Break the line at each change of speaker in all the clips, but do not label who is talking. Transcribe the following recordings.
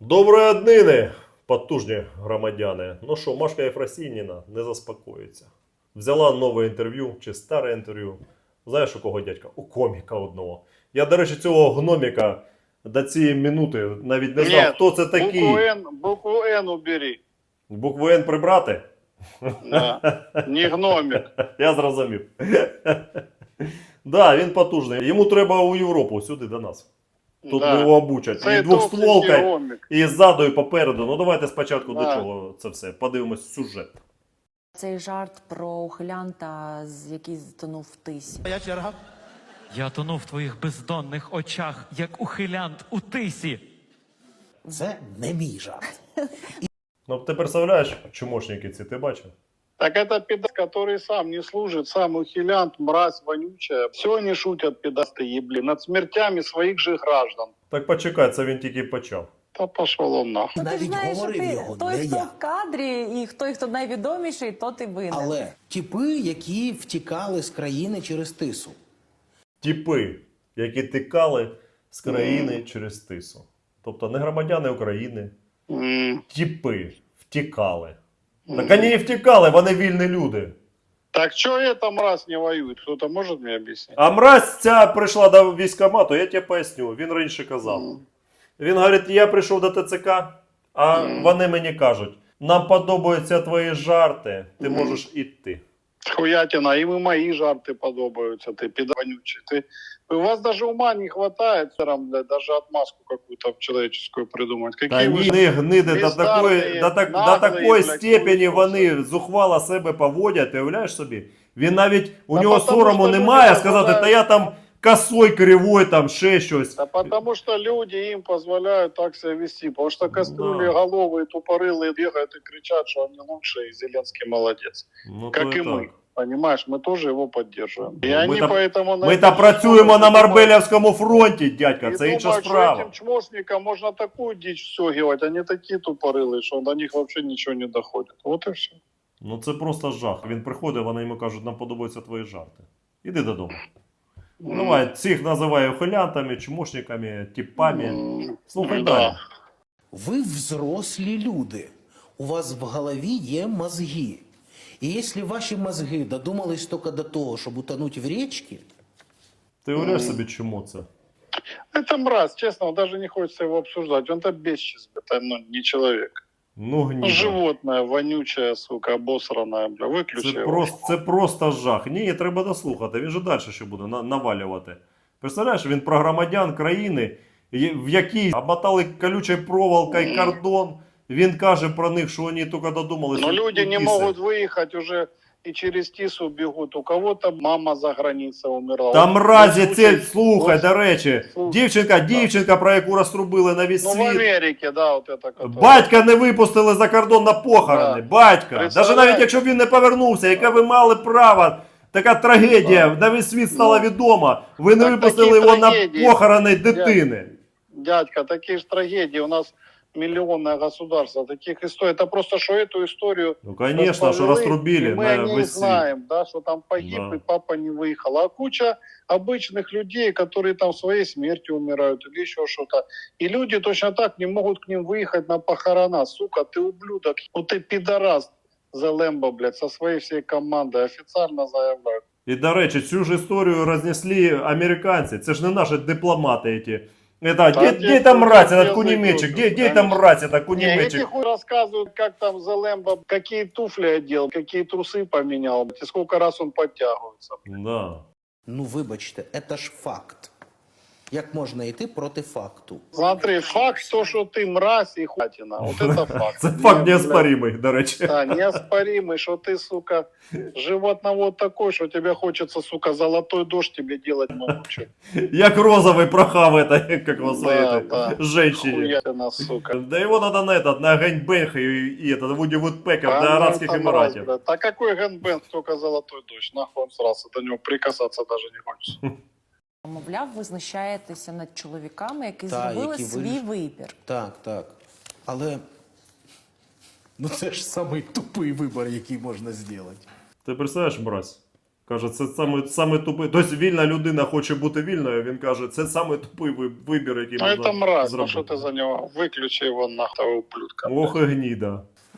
Доброї днини, потужні громадяни. Ну що, Машка Єфросініна не заспокоїться. Взяла нове інтерв'ю чи старе інтерв'ю. Знаєш, у кого дядька? У коміка одного. Я, до речі, цього гноміка до цієї минути навіть не знав, хто це такий.
Букву Н убери.
Букву Н прибрати?
Да. Не гномик.
Я зрозумів. Да, він потужний. Йому треба у Європу, сюди до нас. Тут
Да.
його обучать.
Це
І двохстволка,
гномик.
і ззаду, і попереду. Ну давайте спочатку
Да.
до чого це все. Подивимось сюжет.
Цей жарт про ухилянта, який затонув в тисі.
Я тону в твоїх бездонних очах, як ухилянт у тисі.
Це не мій жарт.
Ну ти представляєш, чумошники ці, ти бачив?
Так это пидас, который сам не служит, сам ухилянт, мразь вонючая. Все они шутят, пидасты ебли, над смертями своих же граждан.
Так почекай, це він тільки почав.
Да пошел он нахуй.
Ну, ти ж
Навіть
знаєш, що
говорив
ти
його,
той,
не
хто
я.
в кадрі, і хто найвідоміший, то ти винен.
Але типи, які втікали з країни через тису.
Тіпи, які тикали з країни через тису. Тобто не громадяни України, тіпи втікали. Так вони не втікали, вони вільні люди.
Так что эта мразь не воюет? Кто-то может мне объяснить?
А мразь ця прийшла до військкомату, я тебе поясню, він раніше казав. Він говорить, я прийшов до ТЦК, а вони мені кажуть, нам подобаються твої жарти, ти можеш іти.
Хуятина, им и мои жарты подобаются, ты пидаванючий. У вас даже ума не хватает, блядь, даже отмазку какую-то человеческую придумать.
Та
Какие вы
ні,
же
не гниди, до
бездарні,
такої
наглі,
степені
блядь,
вони зухвало себе поводять, ти уявляєш собі? Він навіть, у
Та
нього
потому
сорому
що
немає
люди
сказати, та
дозволяють.
я там косой, кривой, там ще щось.
Да потому что люди им позволяют так себя вести. Потому что кастрюли
Да.
головые, тупорылые бегают и кричат, что они лучшие, и Зеленский молодец.
Ну,
Как
то
и
так.
мы. Понимаешь, мы тоже его поддерживаем. И
Ну,
они
ми-то-
поэтому... на
Ми-то
этой
працюємо на
думают-
Марбелівському фронті, дядька,
и
це інша
думают, что
справа.
этим чмошникам можно такую дичь всёгивать, они такие тупорылые, что до них вообще ничего не доходит. Вот и все.
Ну це просто жах. Він приходить, вони йому кажуть, нам подобаються твої жарти. Іди додому. Давай, цих називає ухилянтами, чмошниками, типами. Слухай
Да.
далі.
Ви взрослі люди. У вас в голові є мозги. І якщо ваші мозги додумались тільки до того, щоб утонути в річці,
Ти уявляєш собі, чому це?
Это мразь, честно, даже не хочется его обсуждать. Он-то бесчист, это не человек.
Ну гніда.
Животное, вонючая, сука, обосранная, бля, выключи его.
Це просто жах. Ні, треба дослухати. Він же далі ще буде навалювати. Представляєш, він про громадян країни, в якій обмотали колючою проволокою кордон. Він каже про них, що вони тільки додумались.
Но люди не
Тиси.
могут выехать уже и через Тису бегут. У кого-то мама за границей умерла.
Там
Вот
мразі
случай-
це, слухай,
вот-
до речі,
Слухай,
дівчинка, про яку розтрубили на весь
Ну, в
світ.
Америке, да, вот это. которое-
Батька не випустили за кордон на похорони.
Да.
Батька.
Представляєш?
Навіть якщо б він не повернувся, яке ви мали право. Така трагедія, на весь світ стала відома. Ви не
Так
випустили
такі
його на
трагедії.
похорони дитини.
Дядька, такие же трагедии. У нас миллионное государство. Таких историй. Это просто, что эту историю...
Ну, конечно, що
расползли,
розтрубили
и мы
на
о ней
весь світ.
знаем, да, что там погиб,
Да.
и папа не выехал. А куча обычных людей, которые там своей смертью умирают или еще что-то. И люди точно так не могут к ним выехать на похорона. Сука, ты ублюдок, ну ты пидорас, Зелемба, блядь, со своей всей командой официально заявляют.
І, до речі, цю ж історію рознесли американці. Це ж не наші дипломати ці. Это, где там мразь, этот кунемечек? Где там мразь, это
Не, эти
кунемечек?
хуй рассказывают, как там Зелемба, какие туфли одел, какие трусы поменял, и сколько раз он подтягивается.
Да.
ну вибачте, це ж факт. Як можна йти проти факту?
Смотри, факт то, что ты мразь и хуятина. Вот это факт.
Це факт
Не,
неоспоримий, до речі.
блядь, Да, неоспоримый, что ты, сука, животновод такой, что тебе хочется, сука, золотой дождь тебе делать могучий.
Як розовий прохав это, как его своей
Да,
этой
да.
женщине.
Хуятина, сука.
Да его надо на этот, на гэнбэнг и этот, Вуди Вудпекер
А
до
ну,
Арабских
это мразь,
Эмиратов.
блядь. А какой гэнбэнг, только золотой дождь? Нахуй он срался, до него прикасаться даже не хочется.
Мовляв, ви знущаєтеся над чоловіками, які
Та,
зробили
які
свій
вирішили.
вибір.
Так, так. Але ну це ж самий тупий вибір, який можна зробити.
Ти представляєш, мразь? Каже, це саме тупий. Тобто вільна людина хоче бути вільною, він каже, це саме тупий вибір, який
Ну
можна
это мразь, ну
зробити.
что ты за него? Выключи его нахуй, ублюдка.
Ох і гніда.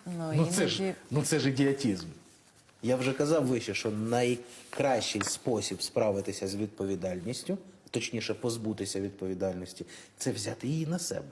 Ну це ж ідіотизм. Я вже казав вище, що найкращий спосіб справитися з відповідальністю, точніше позбутися відповідальності, це взяти її на себе.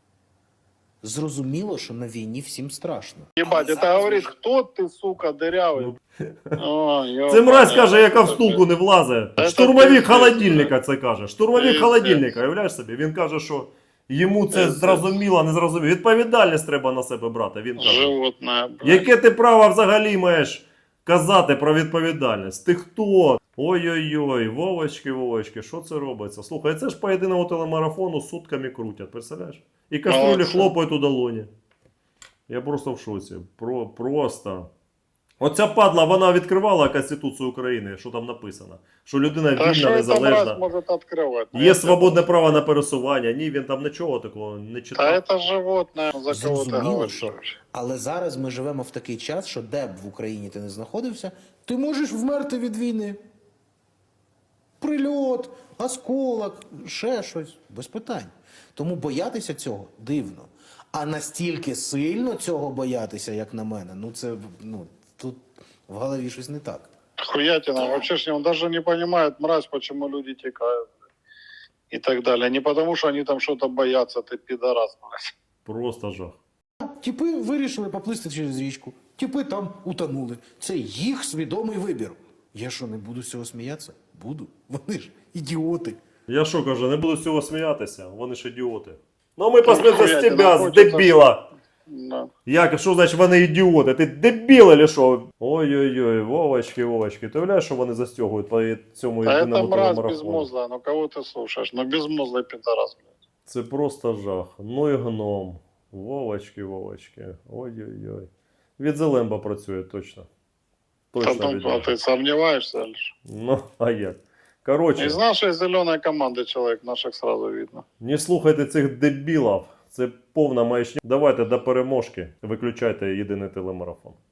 Зрозуміло, що на війні всім страшно.
Ебать, это говорит, кто ты, сука, дырявый? Ой,
Це мразь каже, яка в
ёбаный.
стулку не влазить.
Це
Штурмовик
пиздець.
холодильника це каже. Штурмовик
Пиздець.
холодильника, уявляєш собі? Він каже, що йому це
Пиздець.
зрозуміло, не зрозуміло. Відповідальність треба на себе брати, він каже.
Животное, блядь.
Яке ти право взагалі маєш казати про відповідальність? Ти хто? Ой-ой-ой, Вовочки, що це робиться? Слухай, це ж по єдиному телемарафону сутками крутять, представляєш? І каструлі
Молодці.
хлопають у долоні. Я просто в шоці. Просто. Оця падла, вона відкривала Конституцію України, що там написано. Що людина
Да что
вільна,
это мразь
незалежна.
может открывать?
Є свободне право на пересування. Ні, він там нічого такого не
Да
читав.
это животное, за кого ты
Зрозуміло,
говоришь.
що. Але зараз ми живемо в такий час, що де б в Україні ти не знаходився, ти можеш вмерти від війни. Прильот, осколок, ще щось, без питань. Тому боятися цього дивно. А настільки сильно цього боятися, як на мене, ну це, тут в голові щось не так.
Хуятина. Вообще ж он даже не понимает, мразь, почему люди текают. И так далее. Не потому, что они там что-то боятся, ты пидорас, блядь.
Просто жах.
Тіпи вирішили поплисти через річку, тіпи там утонули. Це їх свідомий вибір. Я що, не буду з цього сміятися? Буду. Вони ж ідіоти.
Я що кажу, не буду з цього сміятися, вони ж ідіоти. Ну ми посміємося з
Хуя,
тебе,
ти
з
хочеться,
дебіла.
Да.
Як, що значить вони ідіоти? Ти дебіл или що? Ой-ой-ой, Вовочки. Ти уявляєш, що вони застягують по цьому
А это
єдиному
мразь
телемарафону?
безмозглая, ну кого ты слушаешь? Ну безмозглый пидорас, блядь.
Це просто жах. Ну і гном. Вовочки. Ой-ой-ой. Від Зелемба працює точно. Точно
Потом,
від
а
нього.
ты сомневаешься лишь?
Ну, а як? Коротше,
Из нашей зеленой команды человек наших сразу видно.
не слухайте цих дебілів. Це повна маячня. Давайте до переможки. Виключайте єдиний телемарафон.